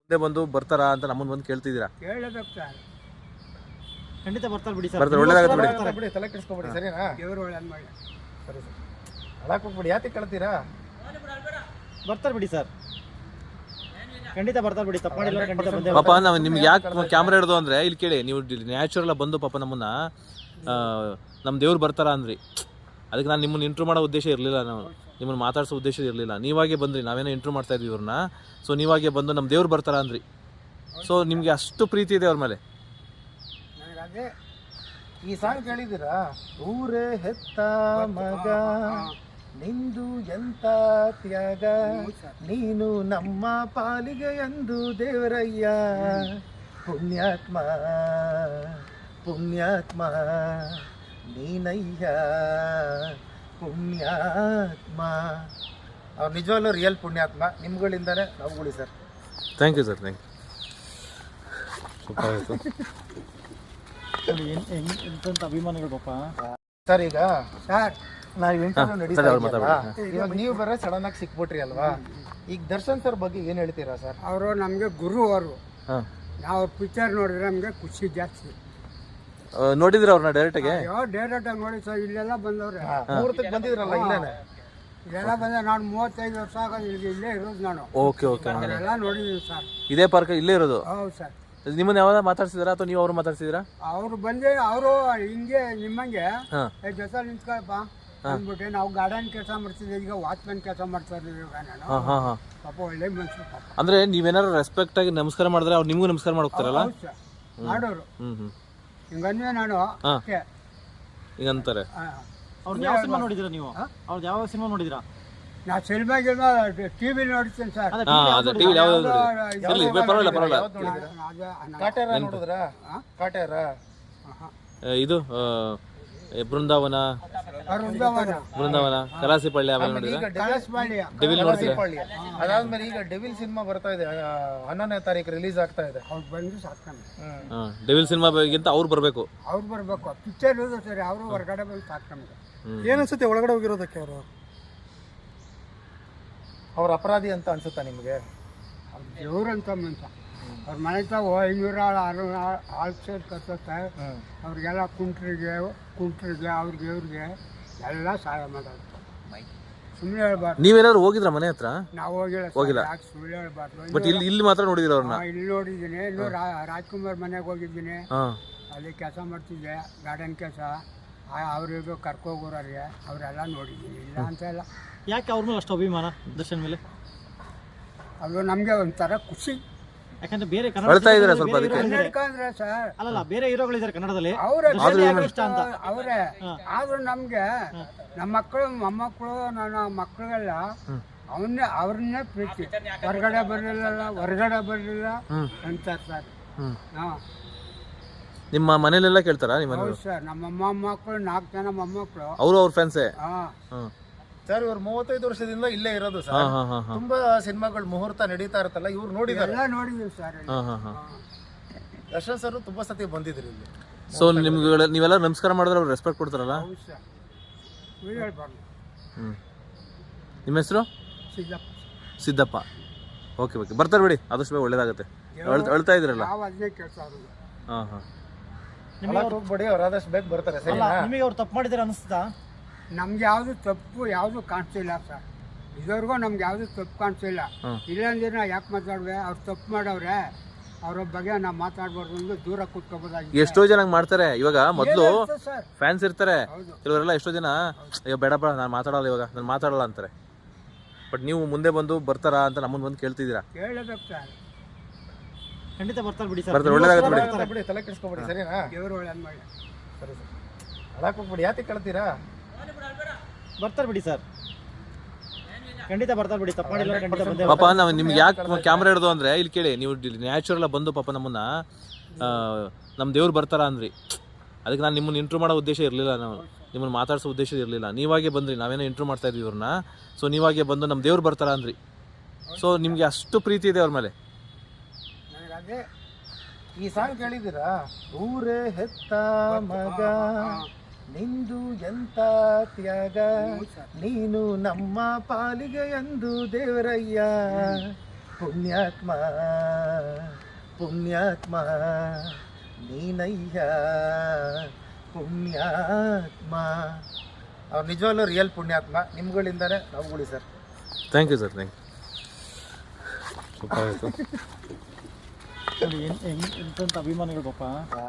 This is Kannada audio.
ಮುಂದೆ ಬಂದು ಬರ್ತಾರಾ ಅಂತ ನಮ್ಮನ್ನ ಬಂದು ಕೇಳ್ತಿದ್ದೀರಾ? ಕೇಳಬೇಕು ಸರ್, ಖಂಡಿತ ಬರ್ತಾರೆ ಬಿಡಿ ಸರ್. ಬರ್ತಾರೆ, ಒಳ್ಳೇದಾಗುತ್ತೆ ಬಿಡಿ. ಬಿಡಿ, ತಲೆ ಕೆಡಿಸ್ಕೊಬೇಡಿ, ಸರಿನಾ? ದೇವರು ಒಳ್ಳೇದು ಮಾಡಿ. ಸರಿ ಸರ್, ಅಳಕ್ ಹೋಗ್ಬಿಡಿ. ಯಾಕೆ ಕೇಳ್ತೀರಾ? ಬರ್ತಾರೆ ಬಿಡಿ ಸರ್, ಖಂಡಿತ ಬರ್ತಾರೆ ಬಿಡಿ. ತಪ್ಪು ಮಾಡಿಲ್ಲ, ಖಂಡಿತ ಬಂದೇ ಪಾಪ ನಾವು ನಿಮ್ಗೆ ಯಾಕೆ ಕ್ಯಾಮ್ರಾ ಹಿಡ್ದು ಅಂದ್ರೆ ಇಲ್ಲಿ ಕೇಳಿ, ನೀವು ನ್ಯಾಚುರಲ್ ಬಂದು ಪಾಪ ನಮ್ಮನ್ನ ನಮ್ಮ ದೇವ್ರು ಬರ್ತಾರ ಅಂದ್ರಿ. ಅದಕ್ಕೆ ನಾನು ನಿಮ್ಮನ್ನ ಇಂಟ್ರೂ ಮಾಡೋ ಉದ್ದೇಶ ಇರಲಿಲ್ಲ, ನಾವು ನಿಮ್ಮನ್ನು ಮಾತಾಡ್ಸೋ ಉದ್ದೇಶ ಇರಲಿಲ್ಲ. ನೀವಾಗೆ ಬಂದ್ರಿ, ನಾವೇನೋ ಇಂಟ್ರೂ ಮಾಡ್ತಾ ಇದ್ವಿ ಇವ್ರನ್ನ. ಸೊ ನೀವಾಗೆ ಬಂದು ನಮ್ಮ ದೇವ್ರು ಬರ್ತಾರ ಅಂದ್ರಿ. ಸೊ ನಿಮಗೆ ಅಷ್ಟು ಪ್ರೀತಿ ಇದೆ ಅವ್ರ ಮೇಲೆ. ನನಗೆ ಈ ಸಾಂಗ್ ಕೇಳಿದ್ದೀರಾ? ಊರೇ ಹೆತ್ತ ಮಗ ನಿಂದು ಎಂತ ತ್ಯಾಗ, ನೀನು ನಮ್ಮ ಪಾಲಿಗೆ ಎಂದು ದೇವರಯ್ಯ. ಪುಣ್ಯಾತ್ಮ ಪುಣ್ಯಾತ್ಮ ನೀನಯ್ಯ ಪುಣ್ಯಾತ್ಮ. ಅವ್ರು ನಿಜವಾಗ್ಲೂ ರಿಯಲ್ ಪುಣ್ಯಾತ್ಮ. ನಿಮ್ಗಳಿಂದಾನೆ ನಾವುಗಳು sir. Thank you sir, thank you. Super ಆಯಿತು ಎಂತ ಅಭಿಮಾನಿಗಳು ಪಾಪ ಸರ್. ಈಗ ಸರ್ ನಾವು ಇಂಟರ್ವ್ಯೂ ನಡೀತಾ ಅವ್ರು ಮಾತಾಡ್ಬಿಡಿ. ಇದೆಯಲ್ಲ, ಇವಾಗ ನೀವು ಬರೋ ಸಡನ್ ಆಗಿ ಸಿಕ್ಬಿಟ್ರಿ ಅಲ್ವಾ? ಈಗ ದರ್ಶನ್ ಸರ್ ಬಗ್ಗೆ ಏನು ಹೇಳ್ತೀರಾ ಸರ್? ಅವರು ನಮಗೆ ಗುರು. ಅವರು ಹಾಂ, ನಾವು ಪಿಕ್ಚರ್ ನೋಡಿದ್ರೆ ನಮಗೆ ಖುಷಿ ಜಾಸ್ತಿ. ನೋಡಿದ್ರೆ ಅವ್ರನ್ನ ಡೈರೆಕ್ಟಾಗೆ? ಯಾವ ಡೈರೆಕ್ಟ್ ಆಗಿ ನೋಡಿ ಸರ್, ಇಲ್ಲೆಲ್ಲ ಬಂದವ್ರೆ. ಮುಹೂರ್ತಕ್ಕೆ ಬಂದಿದ್ರಲ್ಲ ಇಲ್ಲೇನೆ? ಇಲ್ಲೆಲ್ಲ ಬಂದ. ನಾನು 35 ವರ್ಷ ಆಗೋದು ಇಲ್ಲೇ ಇರೋದು ನಾನು. Okay okay. ಎಲ್ಲ ನೋಡಿದ್ದೀವಿ ಸರ್. ಇದೇ ಪಾರ್ಕ್ ಇಲ್ಲೇ ಇರೋದು? ಹೌದು ಸರ್. ನಿಮ್ಮನ್ನ ಯಾವಾಗ ಮಾತಾಡ್ಸಿದಾರಾ ಅಥವಾ ನೀವು ಅವ್ರು ಮಾತಾಡ್ಸಿದ್ದೀರಾ? ಅವರು ಬಂದೆ, ಅವರು ಹಿಂಗೆ ನಿಮ್ಮಂಗೆ ಹಾಂ, ಜೊತೆ ನಿಂತ್ಕೊಳಪ್ಪ ಅಂದ್ಬಿಟ್ಟು ನಾವು ಗಾರ್ಡನ್ ಕೆಲಸ ಮಾಡ್ತಿದ್ದೆ. ಈಗ ವಾಚ್ಮನ್ ಕೆಲಸ ಮಾಡ್ತಾ ಇದ್ದೀವಿ ನಾನು. ಹಾಂ ಹಾಂ ಹಾಂ. ಪಾಪ ಒಳ್ಳೆ ಮನುಷ್ಯರು ಪಾಪ. ಅಂದ್ರೆ ನೀವೇನಾರು ರೆಸ್ಪೆಕ್ಟ್ ಆಗಿ ನಮಸ್ಕಾರ ಮಾಡಿದ್ರೆ ಅವ್ರು ನಿಮಗೂ ನಮಸ್ಕಾರ ಮಾಡೋಗ್ತಾರಲ್ಲ? ಹೌದು ಸರ್, ಮಾಡೋರು. ಹ್ಮ್. ಹಿಂಗಂದ್ರೆ ನಾನು ಅಷ್ಟೇ. ಹಿಂಗಂತಾರೆ. ಅವ್ರದ್ದು ಯಾವ ಸಿನಿಮಾ ನೋಡಿದಿರಾ ನೀವು? ಅವ್ರದ್ದು ಯಾವ ಸಿನಿಮಾ ನೋಡಿದಿರಾ? ನಾ ಸಿನಿಮಾ ಟಿವಿ ನೋಡ್ತೀನಿ ಸರ್. ಅದೇ ಟಿವಿ ಯಾವ್ದು ಇರ್ಲಿ, ಪರವಾಗಿಲ್ಲ ಪರವಾಗಿಲ್ಲ. ಕಾಟೇರ ನೋಡಿದ್ರಾ? ಕಾಟೇರ ಇದು ಬೃಂದಾವನ, ಕಲಾಸಿಪಳ್ಳಿ ಆಮೇಲೆ ನೋಡಿದ್ರೆ ಡೆವಿಲ್ ನೋಡ್ತೀರಾ? ಅದಾದ್ಮೇಲೆ ಈಗ ಡೆವಿಲ್ ಸಿನಿಮಾ ಬರ್ತಾ ಇದೆ, 11ನೇ ತಾರೀಕು ರಿಲೀಸ್ ಆಗ್ತಾ ಇದೆ. ಅವ್ರು ಬಂದು ಸಾಕ್ತಾನೆ. ಡೆವಿಲ್ ಸಿನಿಮಾಗಿಂತ ಅವ್ರು ಬರಬೇಕು. ಅವ್ರು ಬರ್ಬೇಕು. ಪಿಕ್ಚರ್ ಇರೋದು ಸರಿ, ಅವರು ಹೊರಗಡೆ ಬಂದು ಸಾಕ್ತಾನೆ. ಏನನ್ಸುತ್ತೆ ಒಳಗಡೆ ಹೋಗಿರೋದಕ್ಕೆ? ಅವರು ಅವ್ರ ಅಪರಾಧಿ ಅಂತ ಅನ್ಸುತ್ತಾ ನಿಮಗೆ? ದೇವ್ರಂತ ಮನುಷ್ಯ. ಅವ್ರ ಮನೆ ತಾವು 500 ಆಳು ಸೇರಿ ಕಟ್ಟುತ್ತೆ. ಅವ್ರಿಗೆಲ್ಲ ಕುಂಟ್ರಿಗೆ ಅವ್ರಿಗೆ ಎಲ್ಲ ಸಹಾಯ ಮಾಡೋದು. ಸುಮ್ಮನೆ ಹೇಳ್ಬಾರ್ದು. ನೀವೇನಾದ್ರು ಹೋಗಿದ್ರ ಮನೆ ಹತ್ರ? ನಾವು ಹೋಗಿಲ್ಲ. ಯಾಕೆ ಸುಳ್ಳು ಹೇಳ್ಬಾರ್ದು. ಬಟ್ ಇಲ್ಲಿ ಮಾತ್ರ ನೋಡಿದಿರ ಅವ್ರನ್ನ? ಇಲ್ಲಿ ನೋಡಿದ್ದೀನಿ. ಇಲ್ಲೂ ರಾಜ್ಕುಮಾರ್ ಮನೆಗೆ ಹೋಗಿದ್ದೀನಿ. ಅಲ್ಲಿ ಕೆಲಸ ಮಾಡ್ತಿದ್ದೆ, ಗಾರ್ಡನ್ ಕೆಲಸ. ಅವ್ರಿಗೂ ಕರ್ಕೋಗೋರಿಗೆ ಅವರೆಲ್ಲ ನೋಡಿದ್ದೀನಿ. ಇಲ್ಲ ಅಂತ ಇಲ್ಲ. ಯಾಕೆ ಅವ್ರ ಮೇಲೆ ಅಷ್ಟು ಅಭಿಮಾನ ದರ್ಶನ್ ಮೇಲೆ? ಅದು ನಮಗೆ ಒಂಥರ ಖುಷಿ. ಯಾಕಂದ್ರೆ ಬೇರೆ ಹೇಳ್ತಾ ಇದ್ದಾರೆ ಸ್ವಲ್ಪ ಅದಕ್ಕೆ. ಕನ್ನಡಕ ಅಂದ್ರೆ ಸರ್, ಅಲ್ಲಲ್ಲ, ಬೇರೆ ಹೀರೋಗಳಿದ್ದಾರೆ ಕನ್ನಡದಲ್ಲಿ, ಅವರೇ ಇಷ್ಟ ಅಂತ. ಅವರೇ. ಆದ್ರೂ ನಮ್ಗೆ ನಮ್ಮ ಮಕ್ಕಳು ಮೊಮ್ಮಕ್ಕಳು ನನ್ನ ಮಕ್ಕಳೆಲ್ಲ ಅವ್ರನ್ನೇ ಪ್ರೀತಿ. ಹೊರಗಡೆ ಬರಲಿಲ್ಲ ಅಂತಾರೆ ಸರ್. ನಿಮ್ಮ ಮನೇಲೆಲ್ಲ ಕೇಳ್ತಾರಾ? ನಿಮ್ಮ ಹೌದು ಸರ್, ನಮ್ಮ ಮೊಮ್ಮಕ್ಕಳು 4 ಜನ ಮೊಮ್ಮಕ್ಕಳು. ಅವರು ಅವ್ರ ಫ್ಯಾನ್ಸೇ? ಸರ್, ಇವ್ರು 35 ವರ್ಷದಿಂದ ಇಲ್ಲೇ ಇರೋದು ಸರ್. ತುಂಬಾ ಸಿನಿಮಾಗಳು ಮುಹೂರ್ತ ನಡೀತಾ ಇರುತ್ತಲ್ಲ, ಇವ್ರು ನೋಡಿದಾರೆ? ಎಲ್ಲ ನೋಡಿದೀವಿ ಸರ್. ದರ್ಶನ್ ಸರ್ ತುಂಬಾ ಸತಿ ಬಂದಿದ್ರು ಇಲ್ಲಿ. ಸೊ ನಿಮ್ಗೆ ನೀವೆಲ್ಲ ನಮಸ್ಕಾರ ಮಾಡಿದ್ರೆ ಅವ್ರು ರೆಸ್ಪೆಕ್ಟ್ ಕೊಡ್ತಾರಲ್ಲ? ಹೌದು ಸರ್, ಹೇಳ್ಬಾರ್ದು. ನಿಮ್ಮ ಹೆಸರು? ಸಿದ್ದಪ್ಪ. ಓಕೆ ಓಕೆ, ಬರ್ತಾರೆ ಬಿಡಿ, ಆದಷ್ಟು ಬೇಗ ಒಳ್ಳೇದಾಗುತ್ತೆ. ಅಳ್ತಾ ಇದ್ರಲ್ಲ? ನಾವು ಅದನ್ನೇ ಕೇಳ್ತಾ ಇರೋದು. ಹೋಗ್ಬೇಡಿ, ಅವ್ರು ಆದಷ್ಟು ಬೇಗ ಬರ್ತಾರೆ. ಸರಿ, ನಿಮಗೆ ಅವ್ರು ತಪ್ಪು ಮಾಡಿದಾರೆ ಅನಿಸ್ತಾ? ನಮ್ಗೆ ಯಾವುದು ತಪ್ಪು ಯಾವುದು ಕಾಣಿಸ್ತಿಲ್ಲ ಸರ್. ಇದುವರೆಗೂ ನಮ್ಗೆ ಯಾವುದು ತಪ್ಪು ಕಾಣಿಸ್ತಿಲ್ಲ. ಇಲ್ಲಾಂದ್ರೆ ನಾ ಯಾಕೆ ಮಾತಾಡುವೆ? ಅವ್ರು ತಪ್ಪು ಮಾಡವ್ರೆ, ಅವ್ರ ಬಗ್ಗೆ ನಾವು ಮಾತಾಡ್ಬಾರ್ದು ಅಂದ್ರೆ ದೂರ ಕೂತ್ಕೋಬೋದಾಗಿ. ಎಷ್ಟೋ ಜನ ಮಾಡ್ತಾರೆ. ಇವಾಗ ಮೊದಲು ಸರ್ ಫ್ಯಾನ್ಸ್ ಇರ್ತಾರೆ, ಕೆಲವರೆಲ್ಲ ಎಷ್ಟೋ ಜನ ಅಯ್ಯೋ ಬೇಡಪ್ಪ ನಾನು ಮಾತಾಡಲ್ಲ, ಇವಾಗ ನಾನು ಮಾತಾಡಲ್ಲ ಅಂತಾರೆ. ಬಟ್ ನೀವು ಮುಂದೆ ಬಂದು ಬರ್ತಾರಾ ಅಂತ ನಮ್ಮನ್ನ ಬಂದು ಕೇಳ್ತಿದ್ದೀರಾ? ಕೇಳಬೇಕು ಸರ್. ಖಂಡಿತ ಬರ್ತಾರೆ ಬಿಡಿ ಸರ್. ಬರ್ತಾರೆ, ಒಳ್ಳೇದಾಗುತ್ತೆ ಬಿಡಿ, ತಲೆ ಕೆಡಿಸ್ಕೊಬೇಡಿ. ಸರಿನಾ? ದೇವರು ಒಳ್ಳೇದು ಮಾಡಿ. ಸರಿ ಸರ್, ಅಳಕ್ ಹೋಗ್ಬಿಡಿ. ಯಾಕೆ ಕೇಳ್ತೀರಾ? ಬರ್ತಾರೆ ಬಿಡಿ ಸರ್, ಖಂಡಿತ ಬರ್ತಾರೆ ಬಿಡಿ. ತಪ್ಪು ಮಾಡಿಲ್ಲ, ಖಂಡಿತ ಬಂದೇ ಪಾಪ ನಾವು ನಿಮ್ಗೆ ಯಾಕೆ ಕ್ಯಾಮ್ರಾ ಹಿಡ್ದು ಅಂದ್ರೆ ಇಲ್ಲಿ ಕೇಳಿ, ನೀವು ನ್ಯಾಚುರಲ್ ಬಂದು ಪಾಪ ನಮ್ಮನ್ನ ನಮ್ಮ ದೇವ್ರು ಬರ್ತಾರ ಅಂದ್ರಿ. ಅದಕ್ಕೆ ನಾನು ನಿಮ್ಮನ್ನ ಇಂಟ್ರೂ ಮಾಡೋ ಉದ್ದೇಶ ಇರಲಿಲ್ಲ, ನಾವು ನಿಮ್ಮನ್ನು ಮಾತಾಡ್ಸೋ ಉದ್ದೇಶ ಇರಲಿಲ್ಲ. ನೀವಾಗೆ ಬಂದ್ರಿ, ನಾವೇನೋ ಇಂಟ್ರೂ ಮಾಡ್ತಾ ಇದ್ವಿ ಇವ್ರನ್ನ. ಸೊ ನೀವಾಗೆ ಬಂದು ನಮ್ಮ ದೇವ್ರು ಬರ್ತಾರ ಅಂದ್ರಿ. ಸೊ ನಿಮಗೆ ಅಷ್ಟು ಪ್ರೀತಿ ಇದೆ ಅವ್ರ ಮೇಲೆ. ನನಗೆ ಈ ಸಾಂಗ್ ಕೇಳಿದ್ದೀರಾ? ಊರೇ ಹೆತ್ತ ಮಗ ನಿಂದು ಎಂತ ತ್ಯಾಗ, ನೀನು ನಮ್ಮ ಪಾಲಿಗೆ ಎಂದು ದೇವರಯ್ಯ. ಪುಣ್ಯಾತ್ಮ ಪುಣ್ಯಾತ್ಮ ನೀನಯ್ಯ ಪುಣ್ಯಾತ್ಮ. ಅವ್ರು ನಿಜವಾಗ್ಲೂ ರಿಯಲ್ ಪುಣ್ಯಾತ್ಮ. ನಿಮ್ಗಳಿಂದಾನೆ ನಾವುಗಳು sir. Thank you sir, thank you. Super ಆಯಿತು. ನೋಡಿ ಎಂತೆಂಥ ಅಭಿಮಾನಿಗಳು ಪಾಪ.